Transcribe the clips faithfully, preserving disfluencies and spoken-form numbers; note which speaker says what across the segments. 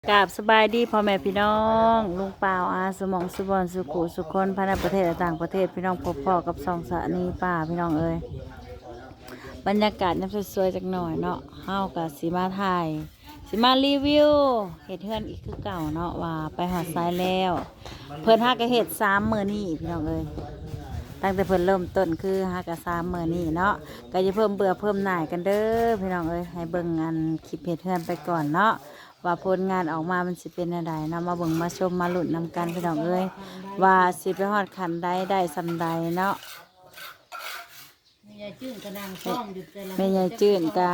Speaker 1: กราบสบายดีพ่อแม่พี่น้องลุงเปล่าอาสมองสุบอนสุขุสุคนภายในประเทศและต่างประเทศพี่น้องพบพ่อกับสองสะนีป่าพี่น้องเอ้ยบรรยากาศน้ำสวยๆจักหน่อยเนาะเฮากับสีมาถ่ายสีมารีวิวเห็ดเฮือนอีกคือเก่าเนาะว่าไปหอดทรายแล้วเพิ่นหากะเห็ดสามมื้อนี้พี่น้องเอ้ยตั้งแต่เพิ่นเริ่มต้นคือหากะสามมื้อนี้เนาะก็จะเพิ่มเบื่อเพิ่มหน่ายกันเด้อพี่น้องเอ้ยให้เบิ่งงานคลิปเห็ดเฮือนไปก่อนเนาะว่าผลงานออกมามันสิเป็นอะไรนำมาเบิ่งมาชมมาหลุดนำกันพี่น้องเอ้ยว่าสิไปฮอดขันใดได้สำใดเนาะ
Speaker 2: แม่ยายจื้นกระดังซ่อมอยู่แต่ละ
Speaker 1: แม่ยายจื้นกะ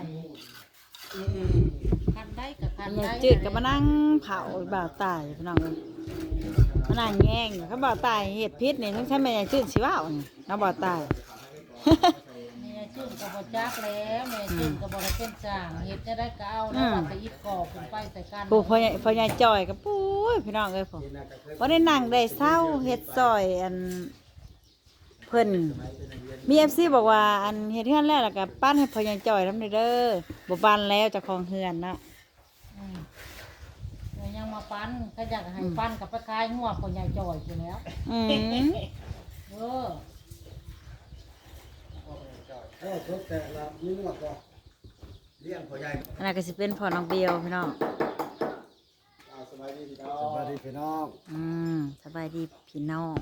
Speaker 2: คันได้กับคัน
Speaker 1: แม่
Speaker 2: ได้
Speaker 1: ยายจืดก็มานั่งเผาบ่าวตายพี่น้องเอ้ยมานั่งแย่งเขาบ่าวตายเห็ดพิษนี่ต้องใช้แม่ยายจืดสิว่าวนี่เนาะบ่าวตาย
Speaker 2: แม่ยายจื้นกับบจักแล้วแม่ยายจื้นกับบได้เป็นจ่างเห็ดจะได้ก็เอาแล้วว่าไปอีกกอกขึ้นไปใส่กัน
Speaker 1: ผู้พ่อใหญ่พ่อใหญ่จอยกับปุ้ยพี่น้องเอ้ยผมวันนี้นั่งได้เศร้าเฮ็ดซอยอันเพิ่นมีเอฟซีบอกว่าอันเฮ็ดเฮือนแล้วแล้วก็ปั้นให้พ่อใหญ่จอยทำเด้อบ่ปั้นแล้วเจ้าของเฮือนเนาะ
Speaker 2: อืมเดี๋ยวยังมาปั้นก็อยากให้ปั้นกับไปคายหัวคนใหญ่จ่อยอยู่แล้ว
Speaker 1: อืม
Speaker 2: เออ
Speaker 3: เออทุกแต่ละนี่นวดก็เลี้ยงพ่อใหญ่
Speaker 1: อันนั้นก็สิเป็นพ่อน้องเบียวพี่น้อง
Speaker 3: อ่าสบายดีพี่น้องสบายดีพี่น้อง
Speaker 1: อืมสบายดีพี่น้อง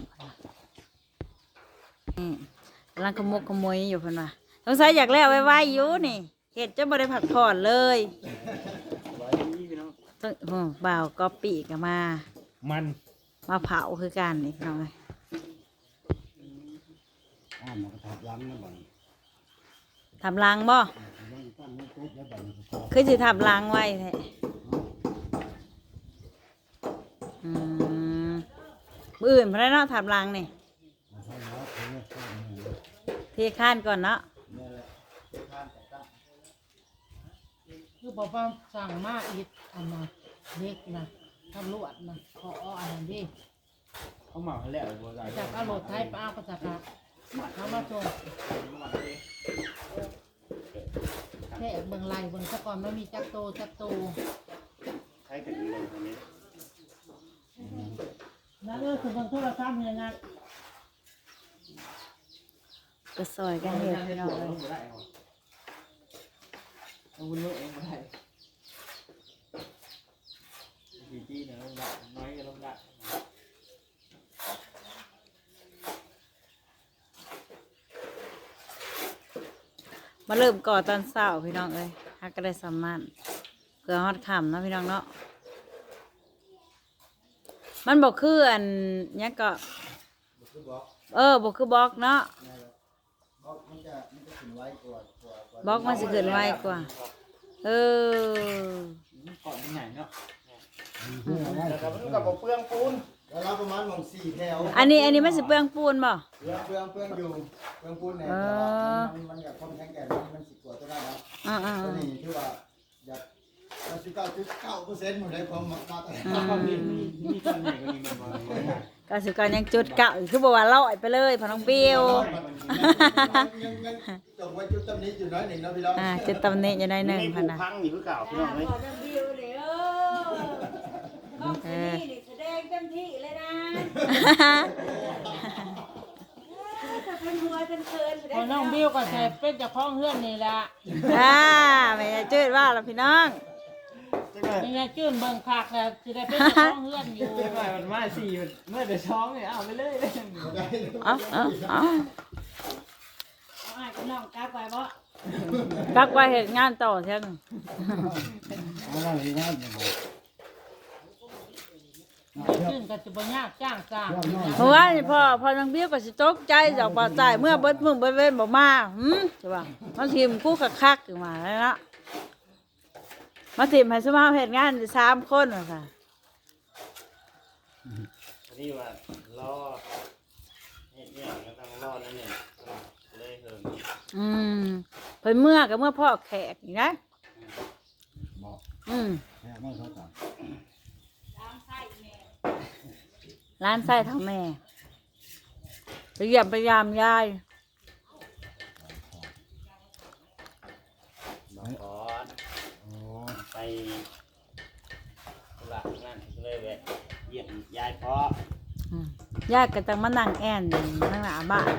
Speaker 1: นี่กำลังขโมกขโมยอยู่เพิ่นว่าสงสัยอยากแล้วไว้ๆอยู่นี่เฮ็ดจะบ่ได้พักผ่อนเลย
Speaker 3: สบายดีพี่น้อง
Speaker 1: ต้องโอ้บ่าวก๊อปปี้ก็มา
Speaker 3: มัน
Speaker 1: มาเผาคือกันนี่พี่น้องเอ้ย
Speaker 3: อ่ามันก็ทับล้างนะบัด
Speaker 1: ทำรังบ่
Speaker 3: ล้างตั้งมือปุ๊บแล้วบัดนี้ก็
Speaker 1: คือสิทำรังไว้แท้อืมมื้ออื่นเพิ่นได้เนาะทำรังนี่
Speaker 3: มาใช้แล้วเพื่อข้าวนี่
Speaker 1: เทข้านก่อนเนาะ
Speaker 3: นี่แหละทานแต่ตั้ง
Speaker 2: คือบอกว่าสั่งมาอีกอันนะเล็กนะตำรวจนะขออันนั้นดิ
Speaker 3: เขาเหมาให้แล้วบัวใจ
Speaker 2: จากเอารถไทยไปเอาก็จากเอามาส่งแค่เบิ่งไหลเบิ่งซะก่อนไม่มีจักโตจักโต
Speaker 3: ใช้กันเลยตรงนี้
Speaker 2: นั่นเออคือเบิ่งโทรศัพท์เนี่ยนะ
Speaker 1: ก็ซอยกันเฮ็ดพี่น้องเอ้ย
Speaker 3: ต้องวุ้นเองไม่ได้จีจีเนี่ยลงได้น้อยก็ลงได้
Speaker 1: มาเริ่มก่อตอนเช้าพี่น้องเอ้ยฮักก็ได้สำมันเพื่อฮอดค่ำเนาะพี่น้องเนาะมันบอกคืออันเนี้ยก็
Speaker 3: คือบอก
Speaker 1: เออบอกคือบล็อกเนาะ
Speaker 3: บอกมันจะมันจะขึ้นไว้กว่ากว่า
Speaker 1: บล็อกมันสิเกินไวกว่า เออ
Speaker 3: มันก่อนที่ไหนเนาะแล้วมันกับเปลืองปูนแล้วเราประมาณมองสี่แถว
Speaker 1: อันนี้อันนี้มันสิเปลืองปูนบ่
Speaker 3: เปลืองเปลืองเปลืองอยู่เปลืองปูนเนี่ย
Speaker 1: เออ
Speaker 3: มันมันกับคนแข็งแกร่งมันมันสิกว่าตัวได้แล้ว
Speaker 1: อ่าอ่า
Speaker 3: ตัวนี้คือว่าอยากเราสิบเก้าจุดเก้าเปอร์เซ็นต์หมดเลยความมาตรฐาน
Speaker 2: ความดี
Speaker 3: มีตอนไหนก็มีมันมา
Speaker 1: ก็สิการยังจุดเก่าอีกคือบอกว่าลอยไปเลยพอน้องเปียว
Speaker 3: ยังยังจงไว้จุดตำนี้อยู่น้อยหนึ่งนะพี่น้อง
Speaker 1: อ่าจุดตำหนิอยู่ในหนึ่งพันนะ
Speaker 3: พังอยู่คือเก่าพี่น้องเลย
Speaker 1: เออ
Speaker 2: แสดงเต็มที่เลยนะพอน้องบิวก็ใส่เป็นเจ้าของเฮือนนี่แหละ
Speaker 1: อ่าไม่จืดว่าแล้วพี่น้อง
Speaker 2: นี่ไงจื้นเบิ่งคักแล้วสิได้เป็นเจ้าของเฮือนอยู่
Speaker 4: หน่อยมันมาสี่เมื่อเดือดช้องเนี่ยเอาไปเลยเลย
Speaker 1: เอาเอาเอา
Speaker 2: เอาอ้ายกับน้องกลับไปบ่
Speaker 1: กักไว้เหตุงานต่อเช่น
Speaker 3: อะไรนะ
Speaker 2: จื้นก็สิบ่ยากจ้างสร้าง
Speaker 1: เมื่อวานนี่พ่อพ่อน้องเบี้ยก็สิตกใจจากป่าตายเมื่อเบิดมึงเบิดเว้นบอกมาหืมใช่ป่ะมาทีมกู้คักๆอยู่มาแล้วนะมาทีมให้สมาเหตุงานสามคนว่ะค่ะ
Speaker 4: นี่ว่ารอเนี่ยเนี่ยก็ต้องรอนั่นเนี่ยเลยเถิง
Speaker 1: อืมเพิ่นเมื่อกับเมื่อพ่อแขกนี่นะ
Speaker 3: บอก
Speaker 1: อืม
Speaker 3: แค่ไม่เขาต่าง
Speaker 1: ร้านไส้ทางแม่ไปเยี่ยมพยายามยาย
Speaker 4: ขอไป
Speaker 3: โ
Speaker 4: นั่นก็เลยแวะเยี่ยมยายพ่อ
Speaker 1: อืมญาติก็จังมานั่งแอนนั่งหน้าบ้าน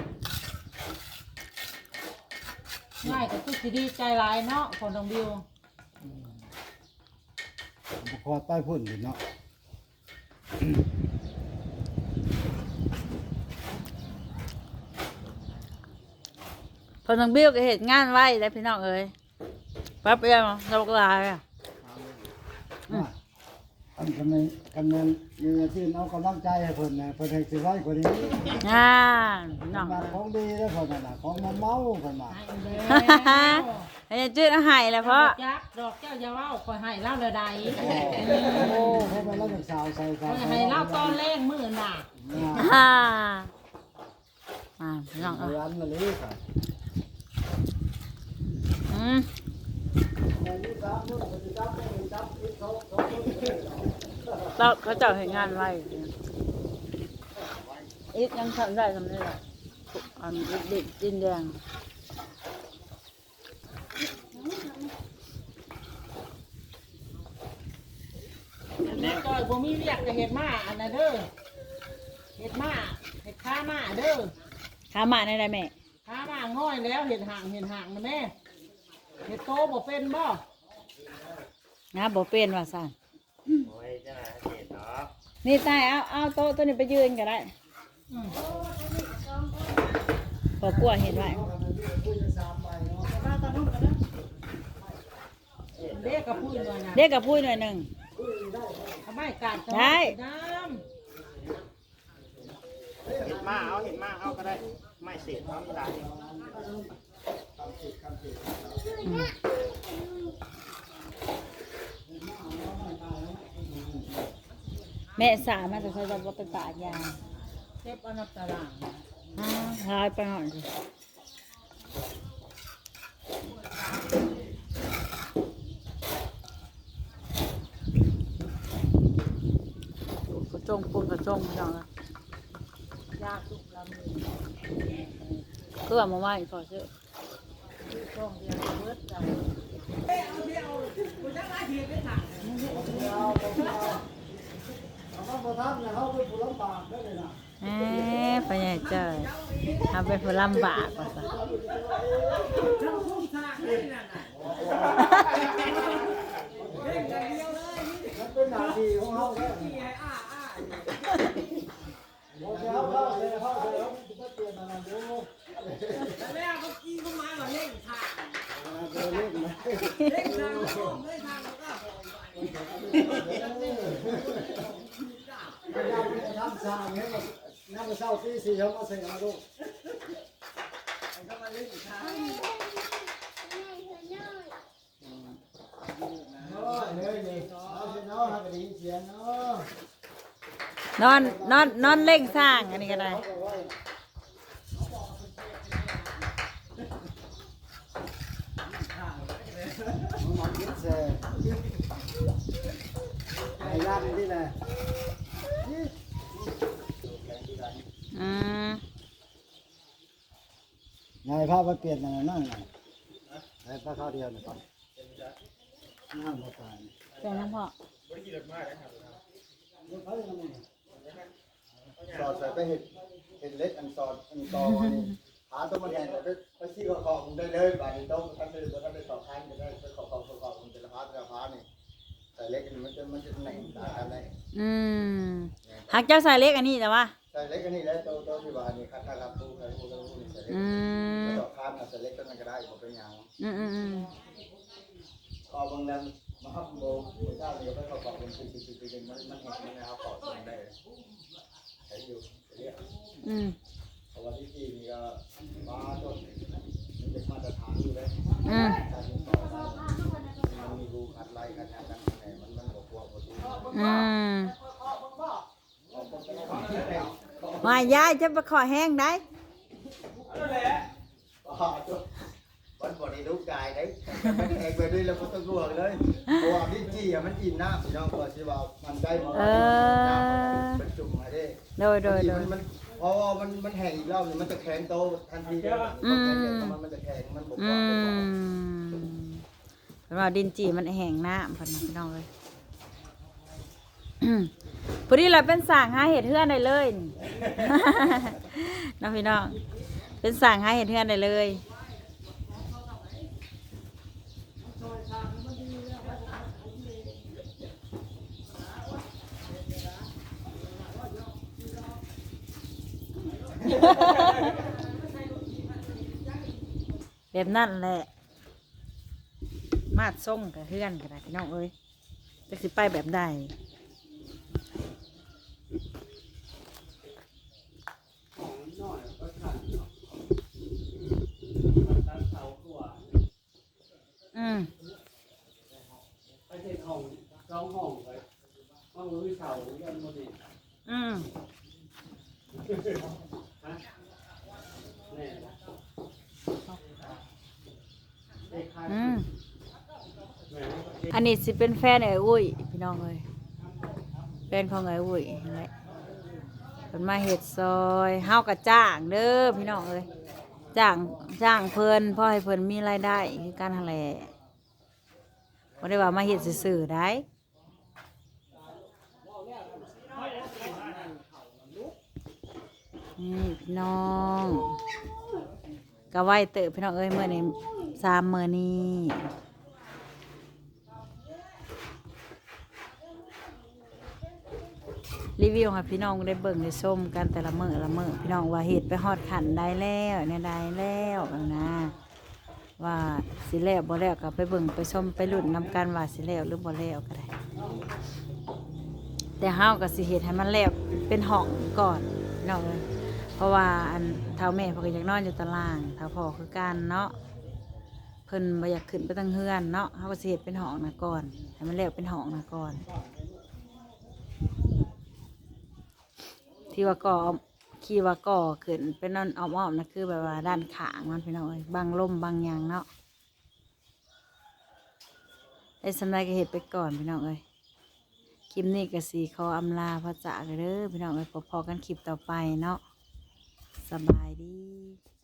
Speaker 2: ง่ายก็คือสิดีใจหลายเนาะคนน้องบิว
Speaker 3: บุคอใต้พุ่นอยู่เนาะ
Speaker 1: พอน้องบิ้วก็เห็นงานไว้แล้วพี่น้องเอ้ยแป๊บเดียวเราก็ลาเลย
Speaker 3: อันกำลังกำลังมีที่เอากำลังใจให้เพิ่นนะเพิ่นให้สิไว้กว่านี้
Speaker 1: งานพี่น้อง
Speaker 3: มา
Speaker 1: เอ้ย
Speaker 3: ของดีแล้วเพิ่นน่ะของมาเมาเพิ่นมา
Speaker 2: ให้แล้ว
Speaker 1: ไอ้จืดเอาใหายแล้วเพราะ
Speaker 2: จักดอกแก้วอยาเว้าคอยให้เล่าเลยใด
Speaker 3: โอ้เพิ่นมาแล้วจากสาวใส่
Speaker 2: ค
Speaker 3: สา
Speaker 2: อ
Speaker 3: วย
Speaker 2: ให้เล่าตอนแรกมื้อน่ะ
Speaker 1: อ่าอ่าพี่น้องเอ้ย
Speaker 3: ร้านละเลยค่ะ
Speaker 1: อืมเราเขาเจ้าเห็นงานไว้อีกยังทำได้ทำได้ละอันเด็กดินแดง
Speaker 2: แม่จอยบ่มีเรียกจะเฮ็ดมาอันน่ะเด้อเฮ็ดมาเฮ็ดค้ามาเด้อ
Speaker 1: ขามาในไรแม่
Speaker 2: ค้ามาง่อยแล้วเฮ็ดห่างเฮ็ดห่างนะแม่เฮ็ดโตบ่เป็นบ่
Speaker 1: งาบ่เป็นว่าสั่น
Speaker 4: โอ้ยเจ้าหน้าที่เนาะ
Speaker 1: นี่ตายเอาเอาโต๊ะตัวนี้ไปยืนก็ได้
Speaker 2: อืม
Speaker 1: พอกลัวเห็นไว้
Speaker 2: เด็กกับพูดเลยนะ
Speaker 1: เด็กกับพูดหน่อยหนึ่ง
Speaker 2: ทำไมการ
Speaker 1: ได้
Speaker 2: น้
Speaker 4: เห็นมาเอาเห็นมาเอาก็ได้ไม่เสียน้ำตาล
Speaker 1: แม่สามาแต่เขาจะว่าไปปาดยา
Speaker 2: ำเจ็บอันนับตาราง
Speaker 1: อ้าวหายไปหน่อยสิกระจงปูนกระจงพี่น้องนะ
Speaker 2: ยาสุกลำหนึ่ง
Speaker 1: เพื่อมาไหว้ขอเชื่อ
Speaker 2: ที่ช่องเดียวเบิดใจ
Speaker 3: เอามาทำเนี่ยเขาเป็นผู้ลำบากได้เลยนะ
Speaker 1: เอ๊ะไปใหญ่เจ้ยทำเป็นผู้ลำบากว่าซะ
Speaker 3: มันเป็นหน้าที่ของเขาแล้วโอ้ยเขาเขาเลยเขาเลยเขาจะเปลี่ยนอะไรดูแล้วเมื่อกี้เขามาว่าเล่นทางเล่นเล่นทางเล่นทางแล้วก็ทำสร้างให้มันน้ำเศร้าที่สี่เขามาใส่มาดูเขามาเล่นทางเลยนี่เอาสิเนาะให้ได้ยินเสียงเนาะ
Speaker 1: นอนนอนนอนเล่งสร้างอันนี้ก็ได้
Speaker 3: มาคิดเสียไอ้ย่านนี่แหละ
Speaker 1: อืม
Speaker 3: นายพาไปเปลี่ยนอะไรนั่งไงไอ้พาข้าวเดียวหน่อยก่อนนั่งมาตาย
Speaker 1: เจ้าน้องพ่อ
Speaker 3: สอดใส่ไปเห็ดเห็ดเล็กอันสอดอันตอนี่หาตัวมันแทนไปไปซี่ขอของได้เลยบาดนี้ต้องท่านได้ท่านได้สอบคันจะได้ไปขอของขอของแต่ละพาแต่ละพานี่ใส่เล็กมันจะมันจะไหนตากันได้
Speaker 1: อืมหักเจ้าใส่เล็กอันนี้แต่ว่า
Speaker 3: ใส่เล็กอันนี้แล้วตัวตัวที่ว่านี่คัดครับตู้ใส่ตู้ตู้นี่ใส่เล็ก
Speaker 1: อืม
Speaker 3: สอบคันใส่เล็กก็มันก็ได้ผมเป็นอย่าง
Speaker 1: อืมอืมอืม
Speaker 3: ก็บางแรงมาฮับโบเจ้าเนี่ยก็ขอของเป็นปีปีปีมันมันเห็นมันนะครับขอส่งได้ใช้อยู่เรียก
Speaker 1: อืม
Speaker 3: เพราะว่าที่จีนนี่ก็มาต้นมันเป็นมาตรฐานอยู่เลย
Speaker 1: อืม
Speaker 3: การติดต่อมันมีรูขัดไล่กันอย่างนั้นไงมันมันบวกบวกบวก
Speaker 1: อืมมายายจะไปขอแห้งได้
Speaker 3: วันก่อนนี้ลูกกายได้มันแอกไปด้วยแล้วก็ต้องรวเลยเพราะว่าที่จีอ่ะมันอิ่มน้ำพี่น้องก็สิว่ามันได้มันเป็นจุ่มมาได้
Speaker 1: โดยโดยโดย
Speaker 3: มันเพราะว่ามันมันแห้งอีกรอบนึงมันจะแข็งโตทันทีเลยมันมันจะแข็งมันบวก
Speaker 1: อื
Speaker 3: บวก
Speaker 1: มเป็นว่าดินจีมันแห้งน้ำพันนะพี่น้องเลยพอดีเราเป็นสั่งหาเห็ดเฮือนได้เลย น้องพี่น้องเป็นสั่งหาเห็ดเฮือนได้เลยแบบนั่นแหละมาดส่งกับเฮือนกันนะพี่น้องเอ้ยจะสิไปแบบใดอืม
Speaker 5: ไปเห็นห้องสองห้องไปห้องรู้เสายันโมดิ
Speaker 1: อืม
Speaker 5: ฮะแน่ละเด็กขาด
Speaker 1: อืม
Speaker 5: แม่เด็ก
Speaker 1: อันนี้สิเป็นแฟนไอ้อุ้ยพี่น้องเอ้ยแฟนของไอ้อุ้ยนั่นแหละเป็นมาเห็ดซอยเฮากะจ้างเด้อพี่น้องเอ้ยจ้างจ้างเพิ่นเพ่อให้เพิ่นมีรายได้คือการทะเลบ่ได้ว่ามาเห็ดซื่อๆได้นี่พี่น้องก็ไหวเติบพี่น้องเอ้ยมื้อนี้สามมื้อนี้รีวิวให้พี่น้องได้เบิ่งได้ชมกันแต่ละมื้อละมื้อพี่น้องว่าเฮ็ดไปฮอดขันได้แล้วเนี่ยได้แล้วนะว่าสิแล้วบ่แล้วก็ไปเบิ่งไปชมไปลุ้นนำกันว่าสิแล้วหรือบ่แล้วก็ได้แต่เฮาก็สิเฮ็ดให้มันแล้วเป็นห้องก่อนพี่น้องเอ้ยเพราะว่าอันเฒ่าแม่เพิ่นก็อยากนอนอยู่ตารางเฒ่าพ่อคือกันเนาะเพิ่นบ่อยากขึ้นไปทางเฮือนเนาะเฮาก็สิเฮ็ดเป็นห้องนะก่อนให้มันแล้วเป็นห้องนะก่อนที่ว่าก่อขี่ว่าก่อขึ้นเป็นนอนอ้อมๆนะคือแบบว่าด้านขางมันพี่น้องเอ้ยบังลมบังหยางเนาะได้สำไรก็เห็ดไปก่อนพี่น้องเอ้ยคลิปนี้ก็สีขออำลาพระจ่าเด้อพี่น้องเอ้ยพอๆกันคลิปต่อไปเนาะสบายดี